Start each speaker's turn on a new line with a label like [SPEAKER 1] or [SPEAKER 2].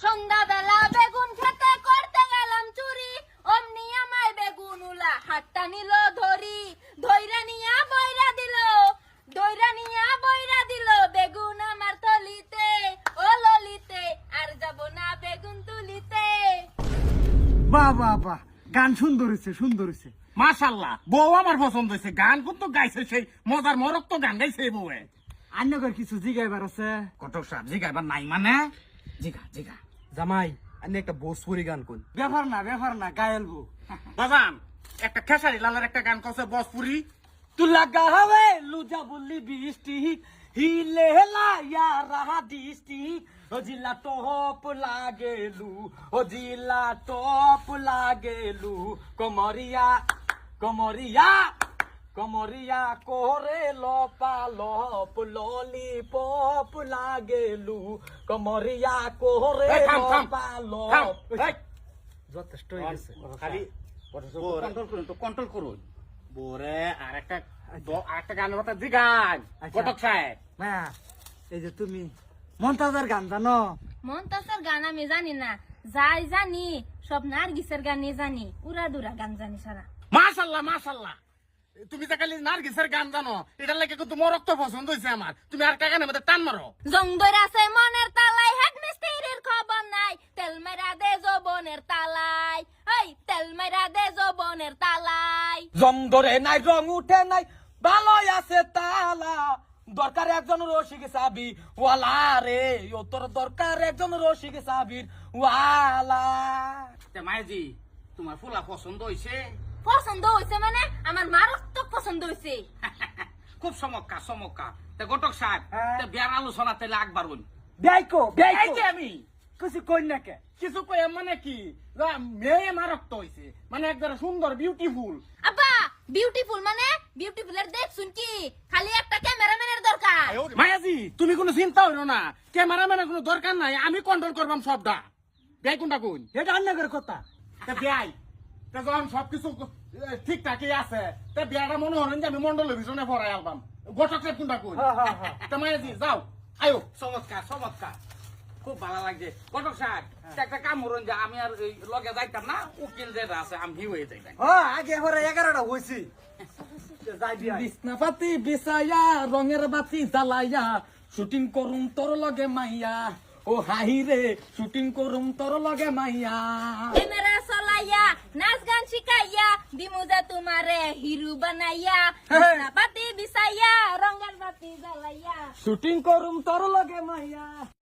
[SPEAKER 1] সন্ধ্যাবেলা বেগুন খেতে করতে গেলাম চুরি, অমনি আমায় বেগুন উলা হাতটা নিল ধরি, ধইরা নিয়া বইরা দিল, দইরা নিয়া বইরা দিল বেগুন আমার তলিতে, ও ললিতে আর যাব না বেগুন তুলিতে।
[SPEAKER 2] বাহ বাহ বাহ, গান সুন্দর হয়েছে, সুন্দর হয়েছে।
[SPEAKER 3] মাশাআল্লাহ, বউ আমার পছন্দ হয়েছে। গান কিন্তু গাইছে সেই মজার মরক তো গান গাইছে এই বউয়ে।
[SPEAKER 2] আন্যগর কিছু জিগাইবার আছে?
[SPEAKER 3] কটক সাহেব জিগাইবার নাই মানে? জিগা জিগা।
[SPEAKER 4] জামাই আমি একটা ভোজপুরি গান কোন।
[SPEAKER 2] ব্যাপার না, গায়েলবো।
[SPEAKER 3] বাজান একটা খেসারি লালের একটা গান কছে ভোজপুরি।
[SPEAKER 4] তু লাগা হবে লুজা বললি বৃষ্টি হিলে লায়া রাহা দৃষ্টি ও জিলা টপ লাগেলু, ও জিলা টপ লাগেলু, কমরিয়া কমরিয়া কমরিয়া কোরে লপা লপ ললিপপ লাগেলু, কমরিয়া কোরে
[SPEAKER 3] এই থাম, থাম,
[SPEAKER 4] লপা
[SPEAKER 3] থাম,
[SPEAKER 4] লপ।
[SPEAKER 3] এই।
[SPEAKER 4] যথেষ্ট হয়ে গেছে।
[SPEAKER 3] খালি কন্ট্রোল করুন, তো কন্ট্রোল করুন। বোরে আরেকটা গানের কথা জিগান কটক সাহেব।
[SPEAKER 2] হ্যাঁ, এই যে তুমি মন্তাজার গান জানো?
[SPEAKER 1] মন্তাসের গান আমি জানি না, যাই জানি সব নার্গিসের গানই জানি, উড়াদুরা গান জানি সারা।
[SPEAKER 3] মাশাআল্লাহ মাশাআল্লাহ, তুমি যে খালি নার্গিসের গান জানো, এটার লাগে কিন্তু মোর রক্ত পছন্দ হয়েছে আমার। তুমি আর কাগানের মধ্যে টান মারো।
[SPEAKER 1] জং ধরে আছে মনের তালায়, হেড মিস্ত্রির খবর নাই, তেল মেরা দে যৌবনের তালায়, এই তেল মেরা দে যৌবনের তালায়।
[SPEAKER 4] জং ধরে নাই রং উঠে নাই ভালোই আছে তালা, দরকার একজন রসিক সাবি ওয়ালা রে, ও তোর দরকার একজন রসিক সাবির ওয়ালা।
[SPEAKER 3] মায়াজি তোমার ফুলা পছন্দ হয়েছে?
[SPEAKER 1] পছন্দ হয়েছে মানে আমার মারাত্মক পছন্দ হয়েছে।
[SPEAKER 3] খুব চমৎকার চমৎকার। তা ঘটক সাহেব, তা বিয়ার আলোচনা তাহলে আকবার বলি।
[SPEAKER 2] বেয়াইকো
[SPEAKER 3] এই যে আমি
[SPEAKER 2] কিছু কই না কে?
[SPEAKER 3] কিছু কই মানে কি, মেয়ে মারক্ত হয়েছে মানে একবার সুন্দর বিউটিফুল।
[SPEAKER 1] আব্বা বিউটিফুল মানে বিউটিফুলের দেখ শুন কি, খালি একটা ক্যামেরাম্যানের দরকার।
[SPEAKER 3] মায়াজি তুমি কোনো চিন্তা হইলো না, ক্যামেরাম্যানের কোনো দরকার নাই, আমি কন্ট্রোল করবাম সবটা। বেয়াই কোনটা কোন?
[SPEAKER 2] এটা আন্যগর কথা।
[SPEAKER 3] তা বেয়াই তা যখন সবকিছু ঠিকঠাকই আছে, তা বিয়াটা মনে হলেন যে আমি মন্ডলের পিছনে পড়াই আলবাম। ঘটক সাহেব কোনটা কোন? তা মায়াজি যাও, আয়ো। চমৎকার চমৎকার, খুব ভালো লাগছে। ঘটক সাহেব একটা কাম করুন, যে আমি আর এই লগে যাইতাম না, উকিল যেটা আছে আমি ভিউ হয়ে যাইতাম।
[SPEAKER 2] আগে পরে 11টা হয়েছি। যাই বিয়াই।
[SPEAKER 4] বিছনা পাতি বিছাইয়া রঙের বাতি জ্বালাইয়া শুটিং করুম তোর লগে মাইয়া, ও হাহি রে শুটিং করুম তোর লগে মাইয়া।
[SPEAKER 1] ক্যামেরা চলাইয়া নাচ গান শিখাইয়া দিমুজা তোমারে হিরো বানাইয়া, বিছনা পাতি বিছাইয়া রঙের বাতি জ্বালাইয়া।
[SPEAKER 4] শুটিং করুম তোর লগে মাইয়া।